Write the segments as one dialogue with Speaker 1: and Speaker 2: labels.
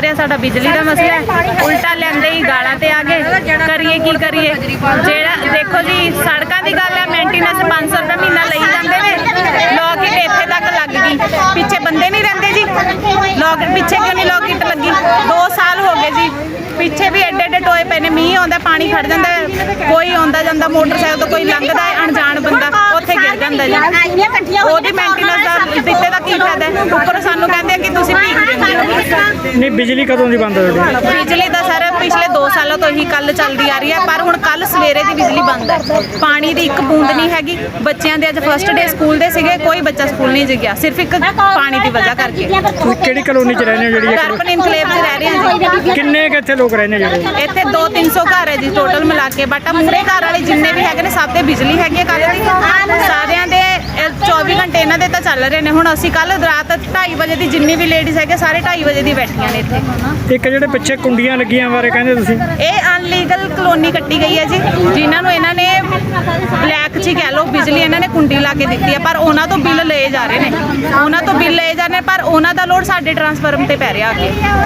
Speaker 1: ਰਿਹਾ, ਸਾਡਾ ਬਿਜਲੀ ਦਾ ਮਸਲਾ ਹੈ। ਉਲਟਾ ਲੈਂਦੇ ਹੀ ਗਾਲਾਂ ਤੇ ਆ ਗਏ। ਕਰੀਏ ਕੀ ਕਰੀਏ? ਜਿਹੜਾ ਦੇਖੋ ਜੀ ਸੜਕਾਂ ਦੀ ਗੱਲ ਹੈ, ਮੇਨਟੇਨੈਂਸ 500 ਰੁਪਏ ਮਹੀਨਾ ਲਈ ਜਾਂਦੇ ਨੇ। ਲੋਕ ਇੱਟ ਇੱਥੇ ਤੱਕ ਲੱਗ ਗਈ, ਪਿੱਛੇ ਬੰਦੇ ਨਹੀਂ ਰਹਿੰਦੇ ਜੀ। ਲੋਕ ਪਿੱਛੇ ਕਿਉਂ ਨਹੀਂ ਲੋਕ ਇੱਟ ਲੱਗੀ? 2 ਸਾਲ ਹੋ ਗਏ ਜੀ, ਪਿੱਛੇ ਵੀ ਐਡੇ ਐਡੇ ਟੋਏ ਪਏ ਨੇ। ਮੀਂਹ ਆਉਂਦਾ ਪਾਣੀ ਖੜ ਜਾਂਦਾ, ਕੋਈ ਆਉਂਦਾ ਜਾਂਦਾ ਮੋਟਰਸਾਈਕਲ ਤੋਂ ਕੋਈ ਲੰਘਦਾ ਹੈ ਅਣਜਾਣ ਬੰਦਾ ਉੱਥੇ ਗਿਰ ਜਾਂਦਾ ਜੀ। ਉਹਦੀ ਮੇਨਟੇਨੈਂਸ ਦਾ ਦਿੱਤੇ ਦਾ ਕੀ ਫਾਇਦਾ ਹੈ? ਉੱਪਰ ਸਾਨੂੰ ਕਹਿੰਦੇ ਕਿ ਤੁਸੀਂ ਭੀਖ ਦਿੰਦੇ ਹੋ।
Speaker 2: ਨਹੀਂ ਬਿਜਲੀ ਕਦੋਂ ਦੀ ਬੰਦ ਹੋ ਗਈ?
Speaker 1: ਬਿਜਲੀ ਦਾ ਸਰ ਪਿਛਲੇ 2 ਸਾਲਾਂ ਤੋਂ ਹੀ ਕੱਲ ਚੱਲਦੀ ਆ ਰਹੀ ਹੈ, ਪਰ ਹੁਣ ਕੱਲ ਸਵੇਰੇ ਦੀ ਬਿਜਲੀ ਬੰਦ ਹੈ। ਪਾਣੀ ਦੀ ਇੱਕ ਬੂੰਦ ਨਹੀਂ ਹੈਗੀ। ਬੱਚਿਆਂ ਦੇ ਅੱਜ ਫਸਟ ਡੇ ਸਕੂਲ ਦੇ ਸੀਗੇ, ਕੋਈ ਬੱਚਾ ਸਕੂਲ ਨਹੀਂ ਗਿਆ, ਸਿਰਫ ਇੱਕ ਪਾਣੀ ਦੀ ਵਜ੍ਹਾ ਕਰਕੇ।
Speaker 2: ਤੁਸੀਂ ਕਿਹੜੀ ਕਲੋਨੀ 'ਚ ਰਹਿੰਦੇ ਹੋ ਜਿਹੜੀ
Speaker 1: ਦਰਪਨ ਇਨਕਲੇਵ 'ਚ ਰਹਿ ਰਹੇ ਹਾਂ ਜੀ।
Speaker 2: ਕਿੰਨੇ ਕੁ ਇੱਥੇ ਲੋਕ ਰਹਿੰਦੇ ਜਿਹੜੇ?
Speaker 1: ਇੱਥੇ 200-300 ਘਰ ਹੈ ਜੀ ਟੋਟਲ ਮਿਲਾ ਕੇ, ਬਟ ਮੂਹਰੇ ਘਰ ਵਾਲੇ ਜਿੰਨੇ ਵੀ ਹੈਗੇ ਨੇ ਸਭ ਦੇ ਬਿਜਲੀ ਹੈਗੀ ਹੈ। ਕੱਲ ਦੀ ਸਾਰਿਆਂ ਦੇ 24 ਘੰਟੇ ਇਹਨਾਂ ਦੇ ਤਾਂ ਚੱਲ ਰਹੇ ਨੇ। ਹੁਣ ਅਸੀਂ ਕੱਲ ਰਾਤ 2:30 ਵਜੇ ਦੀ ਜਿੰਨੀ ਵੀ ਲੇਡੀਜ਼ ਹੈਗੇ ਸਾਰੇ 2:30 ਵਜੇ ਦੀ ਬੈਠੀਆਂ ਨੇ ਇੱਥੇ।
Speaker 2: ਇੱਕ ਜਿਹੜੇ ਪਿੱਛੇ ਕੁੰਡੀਆਂ ਲੱਗੀਆਂ ਬਾਰੇ ਕਹਿੰਦੇ ਤੁਸੀਂ?
Speaker 1: ਇਹ ਅਨਲੀਗਲ ਕਲੋਨੀ ਕੱਟੀ ਗਈ ਹੈ ਜੀ, ਜਿਨ੍ਹਾਂ ਨੂੰ ਇਹਨਾਂ ਨੇ ਬਲੈਕ 'ਚ ਹੀ ਕਹਿ ਲਓ ਬਿਜਲੀ ਇਹਨਾਂ ਨੇ ਕੁੰਡੀ ਲਾ ਕੇ ਦਿੱਤੀ ਹੈ, ਪਰ ਉਹਨਾਂ ਤੋਂ ਬਿੱਲ ਲਏ ਜਾ ਰਹੇ ਨੇ। ਉਹਨਾਂ ਤੋਂ ਬਿੱਲ ਲਏ ਜਾ ਰਹੇ ਨੇ, ਪਰ ਉਹਨਾਂ ਦਾ ਲੋਡ ਸਾਡੇ ਟਰਾਂਸਫਾਰਮ ਤੇ ਪੈ ਰਿਹਾ ਅੱਗੇ।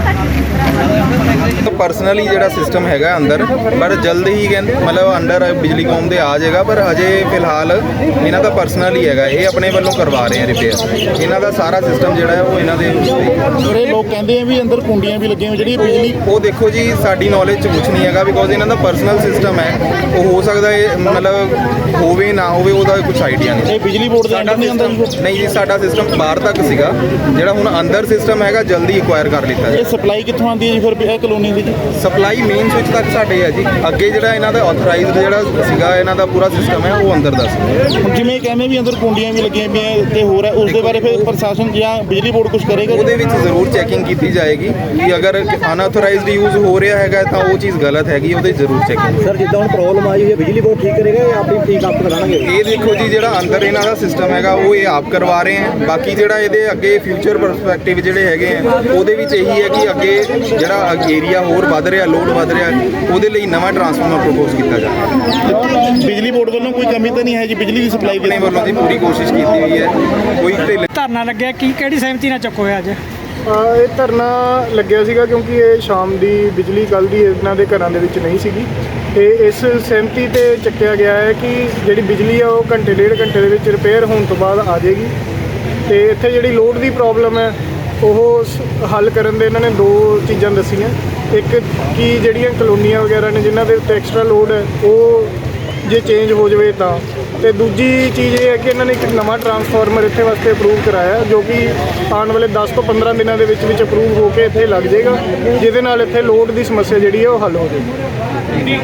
Speaker 3: ਪਰਸਨਲੀ ਜਿਹੜਾ ਸਿਸਟਮ ਹੈਗਾ ਅੰਦਰ, ਪਰ ਜਲਦ ਹੀ ਕਹਿੰਦੇ ਮਤਲਬ ਅੰਡਰ ਬਿਜਲੀ ਕੌਮ ਦੇ ਆ ਜਾਏਗਾ, ਪਰ ਅਜੇ ਫਿਲਹਾਲ ਇਹਨਾਂ ਦਾ ਪਰਸਨਲ ਹੀ ਹੈਗਾ। ਇਹ ਆਪਣੇ ਵੱਲੋਂ ਕਰਵਾ ਰਹੇ ਆ ਰਿਪੇਅਰ। ਇਹਨਾਂ ਦਾ ਸਾਰਾ ਸਿਸਟਮ ਜਿਹੜਾ ਹੈ ਉਹ ਇਹਨਾਂ ਦੇ
Speaker 4: ਸਰ ਇਹ ਲੋਕ ਕਹਿੰਦੇ ਆ ਵੀ ਅੰਦਰ ਕੁੰਡੀਆਂ ਵੀ ਲੱਗੀਆਂ ਹੋਈਆਂ ਜਿਹੜੀ ਬਿਜਲੀ।
Speaker 3: ਉਹ ਦੇਖੋ ਜੀ ਸਾਡੀ ਨੌਲੇਜ 'ਚ ਕੁਛ ਨਹੀਂ ਹੈਗਾ, ਬਿਕੋਜ਼ ਇਹਨਾਂ ਦਾ ਪਰਸਨਲ ਸਿਸਟਮ ਹੈ। ਉਹ ਹੋ ਸਕਦਾ ਇਹ ਮਤਲਬ ਹੋਵੇ ਨਾ ਹੋਵੇ, ਉਹਦਾ ਕੁਛ ਆਈਡੀਆ ਨਹੀਂ।
Speaker 4: ਇਹ ਬਿਜਲੀ ਬੋਰਡ ਦੇ ਅੰਦਰ ਨਹੀਂ ਆਉਂਦਾ ਜੀ?
Speaker 3: ਨਹੀਂ ਜੀ, ਸਾਡਾ ਸਿਸਟਮ ਬਾਹਰ ਤੱਕ ਸੀਗਾ, ਜਿਹੜਾ ਹੁਣ ਅੰਦਰ ਸਿਸਟਮ ਹੈਗਾ ਜਲਦੀ ਐਕਵਾਇਰ ਕਰ ਲਿੱਤਾ
Speaker 4: ਇਹ
Speaker 3: ਜੀ।
Speaker 4: ਸਪਲਾਈ ਕਿੱਥੋਂ ਆਉਂਦੀ ਹੈ ਜੀ ਫਿਰ ਇਹ ਕਲੋਨੀ ਦੀ?
Speaker 3: ਸਪਲਾਈ ਮੇਨ ਸਵਿਚ ਤੱਕ ਸਾਡੇ ਹੈ ਜੀ। ਅੱਗੇ ਜਿਹੜਾ ਇਹਨਾਂ ਦਾ ਆਥੋਰਾਈਜ਼ਡ ਜਿਹੜਾ ਸੀਗਾ ਇਹਨਾਂ ਦਾ ਪੂਰਾ ਸਿਸਟਮ ਹੈ ਉਹ ਅੰਦਰ ਦਾ ਸੀ।
Speaker 4: ਹੁਣ ਜਿਵੇਂ ਕਹਿੰਦੇ ਵੀ ਅੰਦਰ ਕੁੰਡੀਆਂ ਵੀ ਲੱਗੀਆਂ ਪਈਆਂ ਤੇ ਹੋਰ ਹੈ, ਉਸ ਦੇ ਬਾਰੇ ਫਿਰ ਪ੍ਰਸ਼ਾਸਨ ਜਾਂ ਬਿਜਲੀ ਬੋਰਡ ਕੁਝ ਕਰੇਗਾ?
Speaker 3: ਉਹਦੇ ਵਿੱਚ ਜ਼ਰੂਰ ਚੈਕਿੰਗ ਕੀਤੀ ਜਾਏਗੀ ਕਿ ਅਗਰ ਅਨਆਥੋਰਾਈਜ਼ਡ ਯੂਜ਼ ਹੋ ਰਿਹਾ ਹੈਗਾ ਤਾਂ ਉਹ ਚੀਜ਼ ਗਲਤ ਹੈਗੀ, ਉਹਦੇ ਜ਼ਰੂਰ ਚੈਕਿੰਗ।
Speaker 5: ਸਰ ਜਿੱਦਾਂ ਹੁਣ ਪ੍ਰੋਬਲਮ ਆਈ ਹੋਈ ਹੈ ਬਿਜਲੀ ਬੋਰਡ ਠੀਕ ਕਰੇਗਾ ਜਾਂ ਆਪਣੀ ਠੀਕ ਆਪ ਕਰਾਣਗੇ?
Speaker 3: ਇਹ ਦੇਖੋ ਜੀ ਜਿਹੜਾ ਅੰਦਰ ਇਹਨਾਂ ਦਾ ਸਿਸਟਮ ਹੈਗਾ ਉਹ ਇਹ ਆਪ ਕਰਵਾ ਰਹੇ ਹੈ। ਬਾਕੀ ਜਿਹੜਾ ਇਹਦੇ ਅੱਗੇ ਫਿਊਚਰ ਪਰਸਪੈਕਟਿਵ ਜਿਹੜੇ ਹੈਗੇ ਆ ਉਹਦੇ ਵਿੱਚ ਇਹੀ ਹੈ ਕਿ ਅੱਗੇ ਜਿਹੜਾ ਏਰੀਆ ਹੋਰ ਵੱਧ ਰਿਹਾ, ਲੋਡ ਵੱਧ ਰਿਹਾ, ਉਹਦੇ ਲਈ ਨਵਾਂ ਟਰਾਂਸਫਾਰਮਰ ਪ੍ਰਪੋਜ਼ ਕੀਤਾ ਜਾਵੇ।
Speaker 4: ਬਿਜਲੀ ਬੋਰਡ ਵੱਲੋਂ ਕੋਈ ਕਮੀ ਤਾਂ ਨਹੀਂ ਹੈ ਜੀ ਬਿਜਲੀ ਦੀ ਸਪਲਾਈ
Speaker 3: ਆਪਣੇ ਵੱਲੋਂ ਦੀ ਪੂਰੀ ਕੋਸ਼ਿਸ਼ ਕੀਤੀ ਹੋਈ ਹੈ। ਕੋਈ ਢਿੱਲ
Speaker 2: ਧਰਨਾ ਲੱਗਿਆ ਕਿਹੜੀ ਸਹਿਮਤੀ ਨਾਲ ਚੁੱਕ ਹੋਇਆ ਅੱਜ?
Speaker 6: ਇਹ ਧਰਨਾ ਲੱਗਿਆ ਸੀਗਾ ਕਿਉਂਕਿ ਇਹ ਸ਼ਾਮ ਦੀ ਬਿਜਲੀ ਕੱਲ੍ਹ ਦੀ ਇਹਨਾਂ ਦੇ ਘਰਾਂ ਦੇ ਵਿੱਚ ਨਹੀਂ ਸੀਗੀ, ਤੇ ਇਸ ਸਹਿਮਤੀ ਤੇ ਚੱਕਿਆ ਗਿਆ ਹੈ ਕਿ ਜਿਹੜੀ ਬਿਜਲੀ ਆ ਉਹ ਘੰਟੇ 1.5 ਘੰਟੇ ਦੇ ਵਿੱਚ ਰਿਪੇਅਰ ਹੋਣ ਤੋਂ ਬਾਅਦ ਆ ਜਾਏਗੀ। ਤੇ ਇੱਥੇ ਜਿਹੜੀ ਲੋਡ ਦੀ ਪ੍ਰੋਬਲਮ ਹੈ ਉਹ ਹੱਲ ਕਰਨ ਦੇ ਇਹਨਾਂ ਨੇ 2 ਚੀਜ਼ਾਂ ਦੱਸੀਆਂ। ਇੱਕ ਕਿ ਜਿਹੜੀਆਂ ਕਲੋਨੀਆਂ ਵਗੈਰਾ ਨੇ ਜਿਨ੍ਹਾਂ ਦੇ ਉੱਤੇ ਐਕਸਟਰਾ ਲੋਡ ਹੈ ਉਹ ਜੇ ਚੇਂਜ ਹੋ ਜਾਵੇ ਤਾਂ, ਤੇ ਦੂਜੀ ਚੀਜ਼ ਇਹ ਹੈ ਕਿ ਇਹਨਾਂ ਨੇ ਇੱਕ ਨਵਾਂ ਟਰਾਂਸਫਾਰਮਰ ਇੱਥੇ ਵਾਸਤੇ ਅਪਰੂਵ ਕਰਾਇਆ ਜੋ ਕਿ ਆਉਣ ਵਾਲੇ 10 ਤੋਂ 15 ਦਿਨਾਂ ਦੇ ਵਿੱਚ ਅਪਰੂਵ ਹੋ ਕੇ ਇੱਥੇ ਲੱਗ ਜਾਏਗਾ, ਜਿਹਦੇ ਨਾਲ ਇੱਥੇ ਲੋਡ ਦੀ ਸਮੱਸਿਆ ਜਿਹੜੀ ਹੈ ਉਹ ਹੱਲ ਹੋ ਜਾਏਗੀ।